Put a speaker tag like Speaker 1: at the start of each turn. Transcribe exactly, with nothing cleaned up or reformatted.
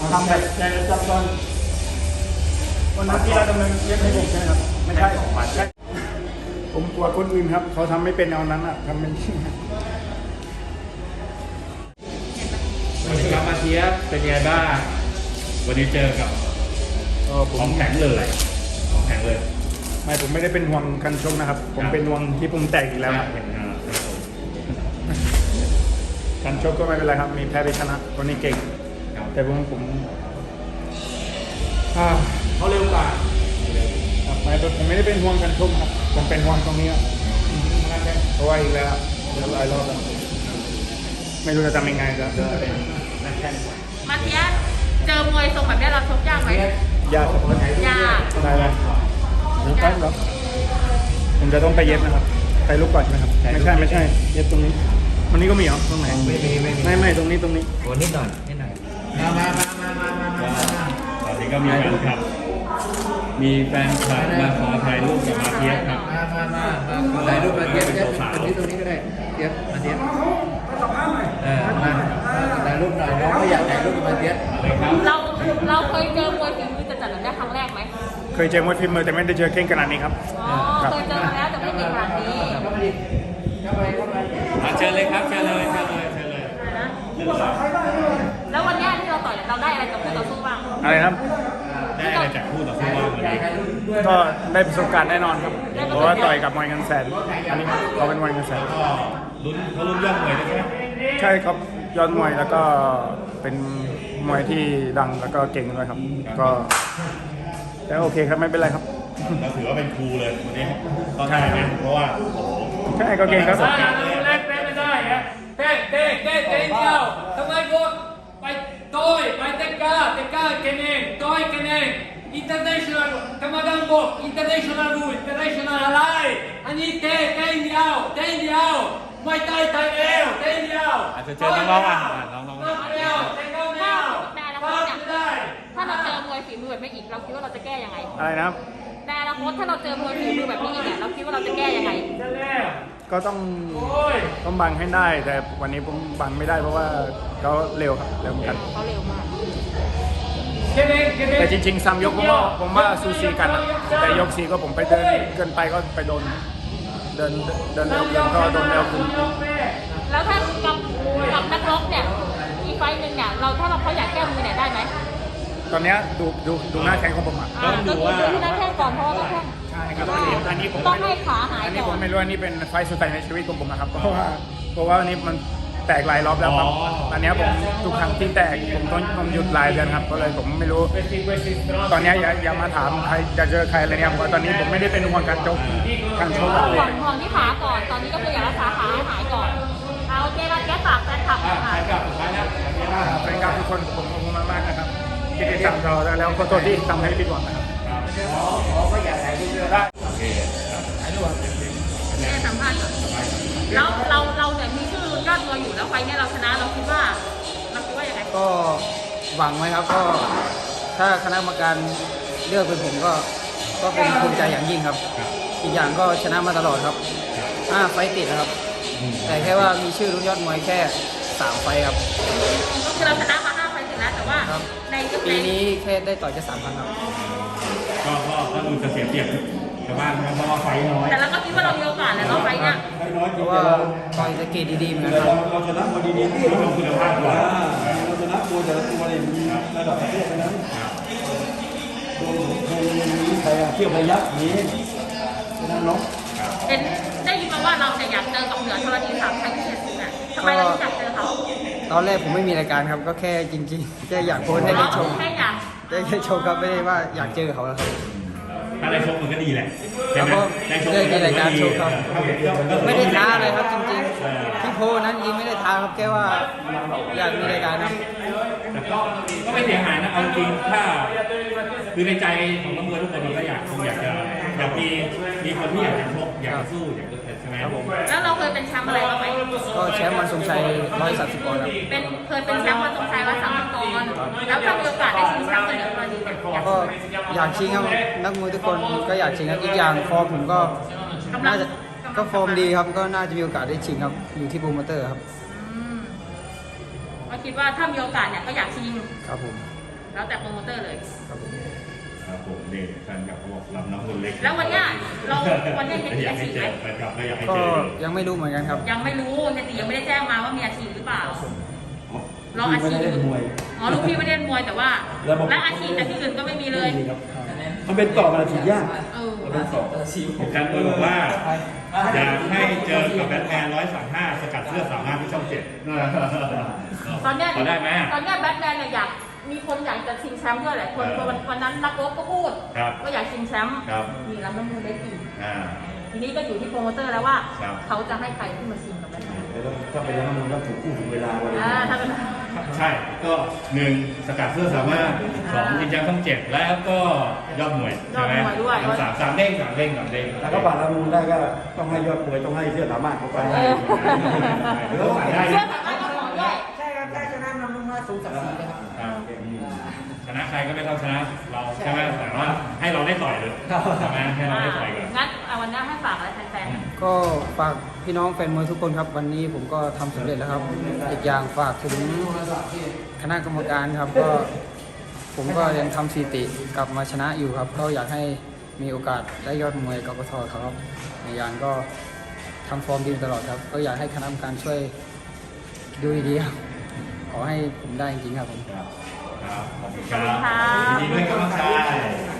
Speaker 1: ทำแบบใจจับตอนวันนั้นที่เราดำเนินเรียกให้ผมใช่ไหมครับไม่ใช่ผมกลัวคนอื่นครับเขาทำไม่เป็นเอานั้นอ่ะทำเป็นที่
Speaker 2: วันนี้ครับมาเทียบเป็นไงบ้างวันนี้เจอกับของแข็งเลยของแข็งเลย
Speaker 1: ไม่ผมไม่ได้เป็นห่วงกันชกนะครับผมเป็นห่วงที่ผมแตกอีกแล้วกันชกก็ไม่เป็นไรครับมีแพ้ไปชนะคนนี้เก่งแต่ผมผม
Speaker 2: เขาเร็วกว่า
Speaker 1: ไม่ผมไม่ได้เป็นห่วงกันชกครับผมเป็นห่วงตรงนี้ครับเพราะว่าอีกแล้วเดี๋ยวหลายรอบแล้วไม่รู้จะทำยังไงจะเป็นนักแข่ง
Speaker 3: มาเทียเจอมวยทรงแบบนี้เราชกยากไหม
Speaker 1: ยากครับ
Speaker 3: ยาก
Speaker 1: ได้เลยผมต้องครับผมจะต้องไปเย็บนะครับไปลูกก่อนใช่ไหมครับไม่ใช่ไม่ใช่เย็บตรงนี้วันนี้ก็มีเหรอตรงไหนไม่มีไม่ไม่ไม่ตรงนี้ตรงนี้
Speaker 2: โอ้นิดหน่อยนิดหน่อยมามามามามามามาตอนนี้ก็มีแฟนคลับมีแฟนคลับมาขอถ่ายรูปกับมาเทียบครับ
Speaker 4: มามามามาถ่ายรูปมาเทียบเทียบตรงนี้ตรงนี้ก็ได้เทียบมาเทียบเออมาถ่ายรูปหน่อยน้องก็อยากถ่ายรูปกับมาเทียบ
Speaker 3: เราเราเคยเจอมวยฝีมือจะจัดแบบนี้ครั้งแรกไหม
Speaker 1: เคยเจอมวยฝีมือแต่ไม่ได้เจอเก่งขนาดนี้ครับ
Speaker 3: อ๋อเคยเจอมาแล้วแต่ไม่เก่งขนาดนี้
Speaker 2: เชิญเลยครับเชิญเลยเชิญเลยเชิญเลย
Speaker 3: แล้ววันนี้ที่เราต่อยเราได้อะไรจากคู่ต่อสู้บ้าง
Speaker 1: อะไรครับ
Speaker 2: ได้อะไรจากคู่ต่อสู้บ้างวันนี้
Speaker 1: ก็ได้ประสบการณ์แน่นอนครับเพราะว่าต่อยกับมวยเงินแสนอันนี้เขาเป็นมวยเงินแสน
Speaker 2: ลุ้นเขาลุ้นยอดมวยใช่ไหม
Speaker 1: ใช่ครับยอดมวยแล้วก็เป็นมวยที่ดังแล้วก็เก่งด้วยครับก็แล้วโอเคครับไม่เป็นไรครับ
Speaker 2: เราถือว่าเป็นครูเลยวันนี้ต้องใช่ไหมเพราะว่า
Speaker 1: ใช่ก็เก่งครับ
Speaker 5: เล่นเล่นไม่ได้ฮะเต้เต้เต้เต้เดียวทำไมพวกไปต่อยไปเตะก้าเตะก้าเก่งต่อยเก่ง international กรรมการบอก international rule international อะไรอันนี้เต้เต้เดียวเต้เดียวไม่ไต่ไต่เอวเต้เดียว
Speaker 2: อาจจะเจอน้องๆอ่ะน้อง
Speaker 5: ๆเดียวเต้เก้าเดียว
Speaker 3: ถ้าเราเจอมวยฝีมือแบบนี้อีกเราคิดว่าเราจะแก้ยังไง
Speaker 1: อะไรนะครับ
Speaker 3: แต่อนาคตถ้าเราเจอมวยฝีมือแบบนี้อีกเนี่ยเราคิดว่าเราจะแก้ยังไง
Speaker 1: ก็ต้องต้องบังให้ได้แต่วันนี้ผมบังไม่ได้เพราะว่าเขาเร็วครับเร็วเหมือนกัน
Speaker 3: เขาเร็วมาก
Speaker 1: แต่จริงๆซ้ำยกผมว่าผมว่าซูซีกันแต่ยกซีก็ผมไปเดินเกินไปก็ไปโดนเดินเดินเร็วเกินก็โดนเร็วขึ้น
Speaker 3: แล้วถ้ากับกับนักรบเนี่ยอีกไฟหนึ่งเนี่ยเราถ้าเราเขาอยากแก้มือเนี่ยได้ไหม
Speaker 1: ตอนนี้ดูดูดูหน้าแข้งของผมอ่ะ
Speaker 3: ต้องดูว่าดูหน้าแข้งก่อนเพราะว่าแข้ง
Speaker 1: ใช่ครับอันนี้อันนี้ผม
Speaker 3: ต้องให้ขาหายก่อน
Speaker 1: อันนี้ผมไม่รู้อันนี้เป็นไฟสุดท้ายในชีวิตของผมนะครับเพราะว่าเพราะว่าอันนี้มันแตกหลายรอบแล้วครับอันนี้ผมทุกครั้งที่แตกผมต้องผมหยุดหลายเดือนครับก็เลยผมไม่รู้ตอนนี้อย่าอย่ามาถามใครจะเจอใครอะไรเนี่ยเพราะตอนนี้ผมไม่ได้เป็นห่วงการชกการชก
Speaker 3: ห่วงห่วงที่ขาก่อนตอนนี้ก็คืออยากรักษาขาให้หายก่อนเอาเจมาแก้ฝากแฟนคลับค่ะ
Speaker 1: แฟนคลับทุกคนผมขอบคุณมากๆนะครับที่ติดตามเราแล้วขอโทษที่ทำให้ผิดหวังนะครับ
Speaker 4: ขอก็อยากถ่ายรูปด้วยได้
Speaker 2: โอเค
Speaker 3: ถ่ายรูปแม่สัมภาษณ์แล้วเราเราเนี่ยมีชื่อยอดมวยอยู่แล้วไฟเนี่ยเราชนะเราคิดว่าเราคิดว่าอย่างไร
Speaker 4: ก็หวังไว้ครับก็ถ้าคณะกรรมการเลือกเป็นผมก็ก็เป็นภูมิใจอย่างยิ่งครับอีกอย่างก็ชนะมาตลอดครับห้าไฟติดนะครับแต่แค่ว่ามีชื่อรุ่นยอดมวยแค่สามไฟครับ
Speaker 3: ก็คือเราชนะมาห้าไฟติดแล้วแต่ว่าใน
Speaker 4: ปีนี้แค่ได้ต่อยแค่สามครั้งครับ
Speaker 2: ก็ก็ก็ดูจะเสียเปรียบชาวบ้านเพราะว่าไฟน้อย
Speaker 3: แต่เราก็คิดว่าเรามีโอกาสแล้วเราไฟเนี่ย
Speaker 4: เพราะว่าต่อยสเกตดีๆเหมือนกันครับ
Speaker 6: เราชนะมาดีๆที่
Speaker 2: เราคุณภาพกว่า
Speaker 6: เราชนะตัวแต่ละตัวเนี่ยมีระดับประเทศนะโดนโดนใครอะเที่ยวพยักนี้ชนะน้อง
Speaker 3: เห็นได้ยินมาว่าเราเนี่ยอยากเจอกับเหนือธรณีสามชัยพิเศษสุดอ่ะทำไมเราอยากเจอเขา
Speaker 4: ตอนแรกผมไม่มีรายการครับก็แค่จริงๆแค่อยากโพสให้ได้ชม
Speaker 3: แค่อยาก
Speaker 4: แค่ชมครับไม่ได้ว่าอยากเจอเขาแล้วครับ
Speaker 2: ถ้าได้ชมมันก็ดีแหละ
Speaker 4: แล้วก็ได้มีรายการชมครับไม่ได้ท้าเลยครับจริงๆที่โพนั้นจริงไม่ได้ท้าครับแค่ว่าอยากมีรายการครับ
Speaker 2: แต่ก็ก็ไม่เสียหายนะเอาจริงถ้าคือในใจของนักมวยทุกคนมันก็อยากคงอยากจะอยากมีมีคนที่อยากจะชกอยากจะสู้อยากจะใช่ไหมครับผม
Speaker 3: แล้วเราเคยเป็นแชมป์อะไรบ้างไหม
Speaker 4: ก็แชมป์วันทรงชัยร้อยสามสิบปอนด์ครับ
Speaker 3: เป็นเคยเป็นแชมป์วันทรงชัยร้อยสามสิบปอนด์แล้วถ้ามีโอกาสได้ชิงแชมป์กันเหนือธรณี
Speaker 4: ก็อยากชิงครับนักมวยทุกคนก็อยากชิงครับอีกอย่างฟอร์มผมก็น่าจะก็ฟอร์มดีครับก็น่าจะมีโอกาสได้ชิงครับอยู่ที่โปรโมเตอร์ครับ
Speaker 3: ก็คิดว่าถ้ามีโอกาสเนี่ยก็อยากชิง
Speaker 4: ครับผม
Speaker 3: แล้วแต่โปรโมเตอร์เลย
Speaker 2: ครับผมนี่แฟนคลับเขาบอกรับน้องคนเล็ก
Speaker 3: แล้ววันเนี้ยเราวันเนี้ยเฮียตี
Speaker 2: อยาก
Speaker 3: อา
Speaker 2: ให้
Speaker 3: ชีพ
Speaker 2: เจ
Speaker 3: ไหม
Speaker 2: อแฟนคลับก็อยากให้
Speaker 4: ก็
Speaker 2: เจอ
Speaker 4: ยังไม่รู้เหมือนกันครับ
Speaker 3: ยังไม่รู้เฮียตียังไม่ได้แจ้งมาว่ามีอาชีพหรือเปล่า รออา
Speaker 6: ไม่
Speaker 3: ชีพ
Speaker 6: ได้เล่นมวย
Speaker 3: อ๋อลูกพี่ไม่ได้เล่นมวยแต่ว่า
Speaker 6: แล้วบอก
Speaker 3: และอาชีพแต่ที่อื่นก็ไม่มีเลย
Speaker 6: ไม่มีครับมันเป็นต่อมาฉีดยาก
Speaker 3: เออ
Speaker 6: มันเป็นต่อ
Speaker 2: อาจารย์ตัวบอกว่าอยากให้เจอกับแบทแมนร้อยสามห้าสกัดเสื้อสามารถที่ช่องเจ็ด
Speaker 3: ตอนเนี้ย
Speaker 2: พอได้ไหม
Speaker 3: ตอนเนี้ยแบทแมนเนี่ยอยากมีคนอยากจะชิงแชมป์ด้วยแหละคน
Speaker 2: เออ
Speaker 3: วันวันนั้นนักรบก็พูด
Speaker 2: ครับ
Speaker 3: ว่าอยากชิงแชมป์
Speaker 2: ครับ
Speaker 3: มีรับน้ำมือเล็กอีก
Speaker 2: อ่า
Speaker 3: ทีนี้ก็อยู่ที่โปรโมเตอร์แล้วว่า
Speaker 2: ครับ
Speaker 3: เขาจะให้ใครขึ้นมาชิงกับแบทแมน
Speaker 6: แล้วถ้าเป็นแล้วมันก็ถูกคู่ถึงเวลาวันนี้
Speaker 3: อ่าถ้าเป็น
Speaker 2: ใช่ ก็หนึ่งสกัดเสื้อสามารถสองยิงยักษ์ช่องเจ็ดแล้วก็ยอดมวยใช่ไหม
Speaker 3: ยอดมวยด้วย
Speaker 2: สามสามเด้งสามเด้งสามเด้ง
Speaker 6: ถ้าเขาผ่านละมูลได้ก็ต้องให้ยอดมวยต้องให้เสื้อสามารถเขาไป
Speaker 3: เออ
Speaker 2: หรือว่าผ่านได้
Speaker 3: เชื่อสามารถก็ขอด้วย
Speaker 4: ใช่ครับได้ชนะนำลงมาสูงสักสีเลยครับ
Speaker 2: ครับชนะใครก็ไม่เท่าชนะเราใช่ไหมแต่ว่าให้เราได้ต่อยเลยใช่ไหมให้เราได้ต่อยก่อน
Speaker 3: งั้นเอาวันนี้ให้ฝากอะไรแฟน
Speaker 4: ก็ฝากพี่น้องแฟนมวยทุกคนครับ วันนี้ผมก็ทำสำเร็จแล้วครับ อีกอย่างฝากถึงคณะกรรมการครับ ก็ผมก็ยังทำสถิติกลับมาชนะอยู่ครับ ก็อยากให้มีโอกาสได้ยอดมวยกกทครับอีกอย่างก็ทำฟอร์มดีตลอดครับ ก็อยากให้คณะกรรมการช่วยดูดีๆครับขอให้ผมได้จริงๆครับผม
Speaker 2: ครับครับขอบคุณค
Speaker 3: ขอบ
Speaker 2: รั
Speaker 3: คุณค่ะ
Speaker 2: บยินดีด้วยครับน้องชาย